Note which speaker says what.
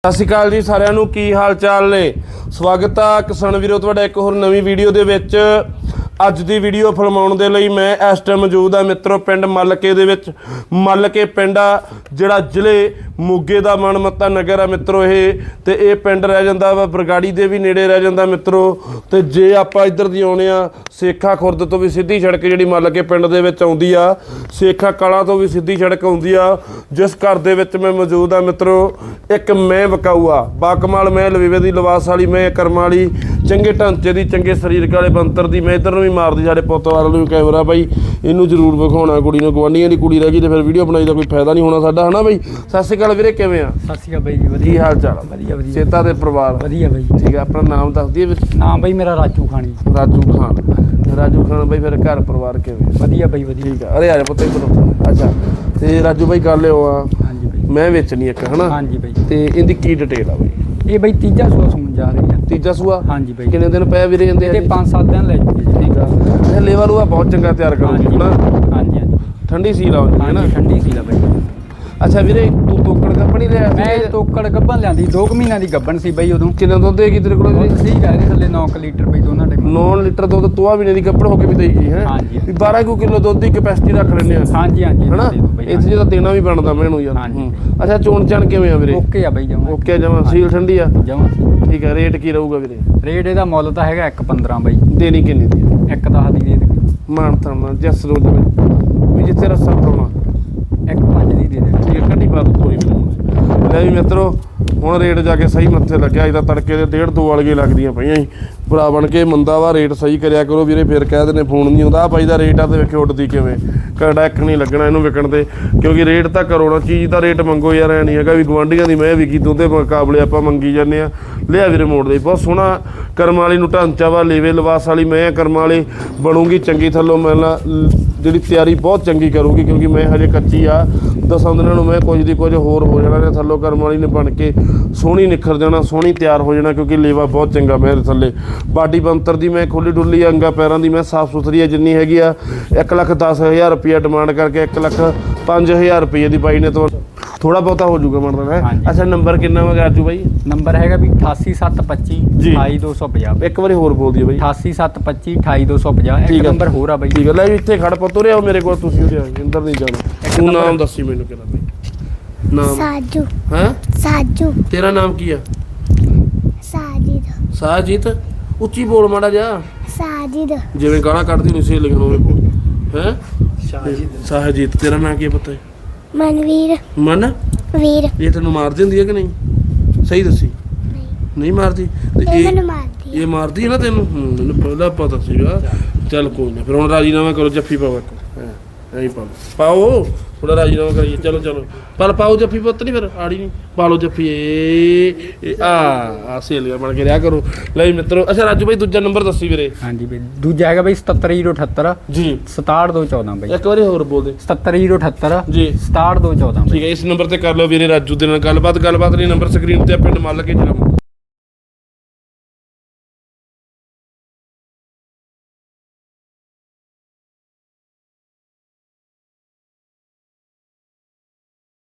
Speaker 1: ਸਤਿ ਸ਼੍ਰੀ ਅਕਾਲ ਜੀ ਸਾਰਿਆਂ ਨੂੰ, ਕੀ ਹਾਲ ਚਾਲ ਨੇ। ਸਵਾਗਤ ਆ ਕਿਸਾਨ ਵੀਰੋ ਤੁਹਾਡਾ ਇੱਕ ਹੋਰ ਨਵੀਂ ਵੀਡੀਓ ਦੇ ਵਿੱਚ। ਅੱਜ ਦੀ ਵੀਡੀਓ ਫਿਲਮਾਉਣ ਦੇ ਲਈ ਮੈਂ ਇਸ ਟਾਈਮ ਮੌਜੂਦ ਆ ਮਿੱਤਰੋ ਪਿੰਡ ਮੱਲਕੇ ਦੇ ਵਿੱਚ। ਮੱਲਕੇ ਪਿੰਡ ਆ ਜਿਹੜਾ ਜ਼ਿਲ੍ਹੇ ਮੋਗੇ ਦਾ ਮਨਮੱਤਾ ਨਗਰ ਆ ਮਿੱਤਰੋ ਇਹ, ਤੇ ਇਹ ਪਿੰਡ ਰਹਿ ਜਾਂਦਾ ਵਾ ਬਰਗਾੜੀ ਦੇ ਵੀ ਨੇੜੇ ਰਹਿ ਜਾਂਦਾ ਮਿੱਤਰੋ। ਤੇ ਜੇ ਆਪਾਂ ਇੱਧਰ ਦੀ ਆਉਣੇ ਆ ਸੇਖਾ ਖੁਰਦ ਤੋਂ ਵੀ ਸਿੱਧੀ ਸੜਕ ਜਿਹੜੀ ਮੱਲਕੇ ਪਿੰਡ ਦੇ ਵਿੱਚ ਆਉਂਦੀ ਆ, ਸੇਖਾ ਕਲਾਂ ਤੋਂ ਵੀ ਸਿੱਧੀ ਸੜਕ ਆਉਂਦੀ ਆ। ਜਿਸ ਘਰ ਦੇ ਵਿੱਚ ਮੈਂ ਮੌਜੂਦ ਆ ਮਿੱਤਰੋ, ਇੱਕ ਮੈਂ ਵਿਕਾਊ ਆ ਬਾਕਮਾਲ ਮੈਂ ਲਵੇਵੇ ਦੀ ਲਿਬਾਸ ਵਾਲੀ ਮੈਂ, ਕਰਮ ਵਾਲੀ, ਚੰਗੇ ਢਾਂਚੇ ਦੀ, ਚੰਗੇ ਸਰੀਰਕ ਵਾਲੇ ਬੰਤਰ ਦੀ ਮੈਂ। ਇੱਧਰ ਨੂੰ ਵੀ ਮਾਰਦੀ ਸਾਡੇ ਪੁੱਤ ਵਾਲ ਨੂੰ ਕੈਮਰਾ ਬਾਈ, ਇਹਨੂੰ ਜ਼ਰੂਰ ਵਿਖਾਉਣਾ ਕੁੜੀ ਨੂੰ। ਗਵਾਂਢੀਆਂ ਦੀ ਕੁੜੀ ਰਹਿ ਗਈ ਤੇ ਫਿਰ ਵੀਡੀਓ ਬਣਾਈ ਦਾ ਕੋਈ ਫਾਇਦਾ ਨਹੀਂ ਹੋਣਾ ਸਾਡਾ, ਹਨਾ ਬਾਈ। ਸਤਿ ਸ਼੍ਰੀ ਅਕਾਲ ਵੀਰੇ, ਕਿਵੇਂ ਆ?
Speaker 2: ਸਤਿ ਸ਼੍ਰੀ ਅਕਾਲ ਬਾਈ ਜੀ, ਵਧੀਆ।
Speaker 1: ਕੀ ਹਾਲ ਚਾਲ ਆ?
Speaker 2: ਵਧੀਆ ਵਧੀਆ।
Speaker 1: ਚੇਤਾ ਦੇ ਪਰਿਵਾਰ
Speaker 2: ਵਧੀਆ ਬਾਈ।
Speaker 1: ਠੀਕ ਆ, ਆਪਣਾ ਨਾਮ ਦੱਸ ਦਈਏ ਵੀਰ।
Speaker 2: ਨਾਮ ਬਾਈ ਮੇਰਾ ਰਾਜੂ ਖਾਣੀ।
Speaker 1: ਰਾਜੂ ਖਾਨ। ਰਾਜੂ ਖਾਨ ਬਾਈ, ਫਿਰ ਘਰ ਪਰਿਵਾਰ ਕਿਵੇਂ?
Speaker 2: ਵਧੀਆ ਬਾਈ ਵਧੀਆ।
Speaker 1: ਠੀਕ ਆ, ਅਰੇ ਆ ਜਾ ਪੁੱਤ ਇੱਧਰ। ਅੱਛਾ, ਤੇ ਰਾਜੂ ਬਾਈ ਗੱਲ ਲਿਓ ਆ,
Speaker 2: ਹਾਂਜੀ ਬਾਈ।
Speaker 1: ਮੈਂ ਵੇਚਣੀ ਇੱਕ, ਹਨਾ?
Speaker 2: ਹਾਂਜੀ ਬਾਈ।
Speaker 1: ਤੇ ਇਹਦੀ ਕੀ ਡਿਟੇਲ ਆ ਬਾਈ?
Speaker 2: ਇਹ ਬਾਈ ਤੀਜਾ ਸੂਆ ਸੁਣ ਜਾ ਰਹੀ ਆ।
Speaker 1: ਤੀਜਾ ਸੂਆ?
Speaker 2: ਹਾਂਜੀ ਬਾਈ।
Speaker 1: ਕਿੰਨੇ ਦਿਨ ਪਏ ਵੀਰੇ ਜਾਂਦੇ?
Speaker 2: ਇਹਦੇ 5-7 ਦਿਨ ਲੈ ਜੂਗੇ ਜੀ।
Speaker 1: ਠੀਕ ਆ, ਇਹ ਲੇਵਾ ਲੂਆ ਬਹੁਤ ਚੰਗਾ ਤਿਆਰ ਕਰੂਗੀ, ਹਨਾ?
Speaker 2: ਹਾਂਜੀ ਹਾਂਜੀ।
Speaker 1: ਠੰਡੀ ਸੀਲ ਆਉਂਦੀ ਹੈ ਨਾ?
Speaker 2: ਹਾਂਜੀ ਠੰਡੀ ਸੀ ਲਾ ਬਾਈ।
Speaker 1: ਅੱਛਾ ਵੀਰੇ, ਤੂੰ ਤੋਕੜ ਗੱਭਣ ਹੀ ਲਿਆ ਸੀ?
Speaker 2: ਮੈਂ ਤੋਕੜ ਗੱਭਣ ਲਿਆਂਦੀ 2 ਮਹੀਨਿਆਂ ਦੀ ਗੱਭਣ ਸੀ ਬਾਈ ਉਦੋਂ।
Speaker 1: ਕਿੰਨਾ ਦੁੱਧ ਦੇਗੀ ਤੇਰੇ ਕੋਲ ਵੀਰੇ?
Speaker 2: ਸਹੀ ਕਹਿ ਰਹੇ ਥੱਲੇ 9 ਲੀਟਰ ਬਾਈ ਦੋਨਾਂ ਟਾਈਮ।
Speaker 1: 9 ਲੀਟਰ ਦੁੱਧ ਤੋਆ ਮਹੀਨੇ ਦੀ ਗੱਭਣ ਹੋ ਕੇ ਵੀ ਦੇਗੀ ਹੈ?
Speaker 2: ਹਾਂਜੀ।
Speaker 1: ਵੀ 12 ਕਿਲੋ ਦੁੱਧ ਦੀ ਕੈਪੈਸਿਟੀ ਰੱਖ ਲੈਂਦੇ ਆ।
Speaker 2: ਹਾਂਜੀ ਹਾਂਜੀ
Speaker 1: ਹਨਾ? ਇੱਥੇ ਜਿਹਦਾ ਦੇਣਾ ਵੀ ਬਣਦਾ ਮੈਨੂੰ ਯਾਰ।
Speaker 2: ਹਾਂਜੀ।
Speaker 1: ਅੱਛਾ, ਚੋਣ ਚਾਣ ਕਿਵੇਂ ਆ ਵੀਰੇ?
Speaker 2: ਓਕੇ ਆ ਬਾਈ ਜਮਾਂ।
Speaker 1: ਓਕੇ ਜਮਾ, ਸੀਲ ਠੰਡੀ ਆ?
Speaker 2: ਜਮਾਂ।
Speaker 1: ਠੀਕ ਆ, ਰੇਟ ਕੀ ਰਹੂਗਾ ਵੀਰੇ?
Speaker 2: ਰੇਟ ਇਹਦਾ ਮੁੱਲ ਤਾਂ ਹੈਗਾ 1.15 ਬਾਈ।
Speaker 1: ਦੇਣੀ ਕਿੰਨੀ ਦੀ?
Speaker 2: 1.10 ਦੀ ਦੇ ਦੇ।
Speaker 1: ਮਾਨਤਾ ਨਾਲ ਜੱਸ ਰੋਜ ਵੀ ਜਿੱਥੇ ਰੱਸਾ ਪਾਉਣਾ
Speaker 2: 1.5 ਦੀ ਦੇ ਦੇ।
Speaker 1: ਠੀਕ, ਕੱਢੀ ਪਾ ਦੋ ਥੋੜੀ ਵੀਰੇ। ਲੈ ਵੀ ਮਿੱਤਰੋ, ਹੁਣ ਰੇਟ ਜਾ ਕੇ ਸਹੀ ਮੱਥੇ ਲੱਗਿਆ। ਇਹਦਾ ਤੜਕੇ ਦੇ 1.5-2 ਵਾਲੀਆਂ ਲੱਗਦੀਆਂ ਪਈਆਂ ਸੀ। ਭਰਾ ਬਣ ਕੇ ਮੰਦਾ ਵਾ, ਰੇਟ ਸਹੀ ਕਰਿਆ ਕਰੋ ਵੀਰੇ, ਫਿਰ ਕਹਿ ਦਿੰਦੇ ਫੋਨ ਨਹੀਂ ਆਉਂਦਾ। ਆਹ ਬਾਈ ਦਾ ਰੇਟ ਆ ਤੇ ਵੇਖਿਓ ਉੱਡਦੀ ਕਿਵੇਂ। ਕੜਾ ਇੱਕ ਨਹੀਂ ਲੱਗਣਾ ਇਹਨੂੰ ਵਿਕਣ ਤੇ, ਕਿਉਂਕਿ ਰੇਟ ਤਾਂ ਕਰੋ ਨਾ, ਚੀਜ਼ ਦਾ ਰੇਟ ਮੰਗੋ ਯਾਰ। ਐ ਨਹੀਂ ਹੈਗਾ ਵੀ ਗੁਆਂਢੀਆਂ ਦੀ ਮੈਂ ਵਿਕੀ ਤੂੰ ਤੇ ਮੁਕਾਬਲੇ ਆਪਾਂ ਮੰਗੀ ਜਾਂਦੇ ਆ। ਲਿਆ ਵੀਰੇ ਮੋੜ ਦੇ, ਬਹੁਤ ਸੋਹਣਾ ਕਰਮ ਵਾਲੀ ਨੂੰ ਢਾਂਚਾ ਵਾ, ਲੇਵੇ ਲਿਬਾਸ ਵਾਲੀ ਮੈਂ ਕਰਮ ਵਾਲੀ ਬਣੂਗੀ ਚੰਗੀ। ਥੱਲੋਂ ਮਿਲਣਾ ਜਿਹੜੀ ਤਿਆਰੀ ਬਹੁਤ ਚੰਗੀ ਕਰੂਗੀ, ਕਿਉਂਕਿ ਮੈਂ ਹਜੇ ਕੱਚੀ ਆ। 10 ਦਿਨਾਂ ਨੂੰ ਮੈਂ ਕੁਝ ਦੀ ਕੁਝ ਹੋਰ ਹੋ ਜਾਣਾ ਨੇ। ਥੱਲੋਂ ਕਰਮ ਵਾਲੀ ਨੇ ਬਣ ਕੇ ਸੋਹਣੀ ਨਿਖਰ ਜਾਣਾ, ਸੋਹਣੀ ਤਿਆਰ ਹੋ ਜਾਣਾ, ਕਿਉਂਕਿ ਲੇਵਾ ਬਹੁਤ ਚੰਗਾ ਮੇਰੇ ਥੱਲੇ। ਬਾਡੀ ਬੰਤਰ ਦੀ ਮੈਂ ਖੁੱਲੀ ਡੁੱਲੀ, ਅੰਗਾ ਪੈਰਾਂ ਦੀ ਮੈਂ ਸਾਫ਼ ਸੁਥਰੀ ਆ ਜਿੰਨੀ ਹੈਗੀ ਆ। 1,10,000 ਰੁਪਇਆ ਡਿਮਾਂਡ ਕਰਕੇ 1,05,000 ਰੁਪਏ ਦੀ ਬਾਈ ਨੇ ਤੋਂ ਥੋੜਾ ਬਹੁਤਾ ਹੋ ਜਾਊਗਾ ਬਣਦਾ ਹੈ। ਅੱਛਾ, ਨੰਬਰ ਕਿੰਨਾ ਵਾ ਰਾਜੂ ਬਾਈ?
Speaker 2: ਨੰਬਰ ਹੈਗਾ ਵੀ 88725 28250।
Speaker 1: ਇੱਕ ਵਾਰੀ ਹੋਰ ਬੋਲ ਦਿਓ ਬਾਈ।
Speaker 2: 88725 28250। ਇੱਕ ਨੰਬਰ ਹੋਰ ਆ ਬਾਈ।
Speaker 1: ਠੀਕ ਹੈ, ਲੈ ਇੱਥੇ ਖੜ ਪੁੱਤ, ਉਰੇ ਆਓ ਮੇਰੇ ਕੋਲ, ਤੁਸੀਂ ਉਰੇ ਆਓ, ਇੰਦਰ ਨਹੀਂ ਜਾਣਾ। ਤੂੰ ਨਾਮ ਦੱਸੀ ਮੈਨੂੰ ਕਿਹੜਾ ਬਾਈ? ਨਾਮ
Speaker 3: ਸਾਜੂ।
Speaker 1: ਹਾਂ
Speaker 3: ਸਾਜੂ।
Speaker 1: ਤੇਰਾ ਨਾਮ ਕੀ ਆ?
Speaker 3: ਸਾਜਿਦ।
Speaker 1: ਸਾਜੀਤ। ਉੱਚੀ ਬੋਲ ਮਾੜਾ ਜਾ,
Speaker 3: ਸਾਜਿਦ।
Speaker 1: ਜਿਵੇਂ ਗਾਲਾਂ ਕੱਢਦੀ ਨਹੀਂ ਸੀ ਲਿਖਣ ਹੋਵੇ ਬੋਲ। ਹੈ ਸਾਜੀਤ। ਤੇਰਾ ਨਾਮ ਕੀ ਪਤਾ?
Speaker 3: ਮਨਵੀਰ।
Speaker 1: ਮਨ
Speaker 3: ਵੀਰ।
Speaker 1: ਇਹ ਤੈਨੂੰ ਮਾਰ ਦਿੰਦੀ ਹੈ ਕਿ ਨਹੀਂ? ਸਹੀ ਦੱਸੀ। ਨਹੀਂ ਮਾਰਦੀ ਤੇ
Speaker 3: ਇਹ ਮੈਨੂੰ ਮਾਰਦੀ
Speaker 1: ਇਹ ਮਾਰਦੀ ਹੈ ਨਾ ਤੈਨੂੰ? ਮੈਨੂੰ ਪਹਿਲਾਂ ਪਤਾ ਸੀਗਾ। ਚੱਲ ਕੋਈ ਨਾ, ਫਿਰ ਹੁਣ ਰਾਜੀਨਾਮਾ ਕਰੋ, ਜੱਫੀ ਪਾਓ ਇੱਕ। ਐਂ ਪਾਓ ਥੋੜਾ ਰਾਜੀਨਾਮਾ ਕਰੀਏ। ਚਲੋ ਚਲੋ ਪਰ ਪਾਓ ਜੱਫੀ, ਪੁੱਤ ਨਹੀਂ ਫਿਰ ਆੜੀ ਨਹੀਂ ਪਾ ਲਓ ਜੱਫੀ। ਆ ਸੇਲੀਆਂ ਬਣ ਕੇ ਰਿਹਾ ਕਰੋ। ਲੈ ਮਿੱਤਰੋ, ਅੱਛਾ ਰਾਜੂ ਬਾਈ ਦੂਜਾ ਨੰਬਰ ਦੱਸੀ ਵੀਰੇ।
Speaker 2: ਹਾਂਜੀ ਬਾਈ, ਦੂਜਾ ਹੈਗਾ ਬਾਈ 77078
Speaker 1: ਜੀ
Speaker 2: 67214 ਬਾਈ।
Speaker 1: ਇੱਕ ਵਾਰੀ ਹੋਰ ਬੋਲ ਦੇ।
Speaker 2: 77078
Speaker 1: ਜੀ
Speaker 2: 67214
Speaker 1: ਠੀਕ ਹੈ, ਇਸ ਨੰਬਰ ਤੇ ਕਰ ਲਓ ਵੀਰੇ ਰਾਜੂ ਦੇ ਨਾਲ ਗੱਲਬਾਤ ਨਹੀਂ। ਨੰਬਰ ਸਕਰੀਨ ਤੇ ਪਿੰਡ ਮੱਲ ਕੇ ਜਨਮ